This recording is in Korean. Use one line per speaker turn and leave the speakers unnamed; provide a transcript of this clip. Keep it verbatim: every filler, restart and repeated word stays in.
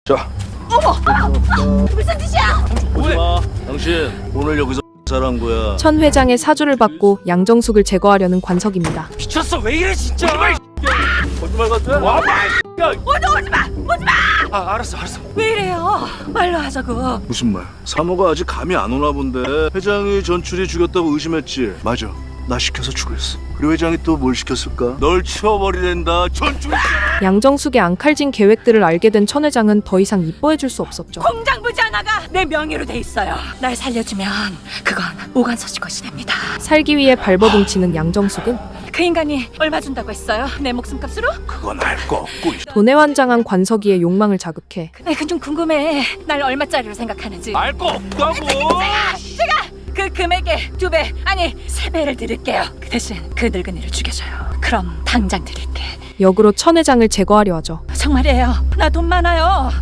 자,
어머! 어머! 무슨 짓이야?
오지 마. 당신 오늘 여기서 잘한 거야.
천 회장의 사주를 받고 양정숙을 제거하려는 관석입니다.
미쳤어 왜 이래 진짜.
거짓말 같아? 와, 야,
오지 오지 마! 오지 마!
아 알았어 알았어.
왜 이래요? 말로 하자고.
무슨 말? 사모가 아직 감이 안 오나 본데. 회장이 전출이 죽였다고 의심했지. 맞아. 나 시켜서 죽였어. 그리고 회장이 또 뭘 시켰을까? 널 치워버리랜다. 전출.
양정숙의 앙칼진 계획들을 알게 된 천 회장은 더 이상 이뻐해줄 수 없었죠.
공장 부지 하나가 내 명의로 돼 있어요. 날 살려주면 그건 오간서 씨 것이 됩니다.
살기 위해 발버둥치는 양정숙은
그 인간이 얼마 준다고 했어요? 내 목숨값으로?
그건 알 거 없고.
돈에 환장한 관석이의 욕망을 자극해
네, 그좀 궁금해. 날 얼마짜리로 생각하는지.
알 거 없다고.
제가 그 금액의 두 배, 아니 세 배를 드릴게요. 그 대신 그 늙은이를 죽여줘요. 그럼 당장 드릴게.
역으로 천 회장을 제거하려 하죠.
정말이에요. 나 돈 많아요.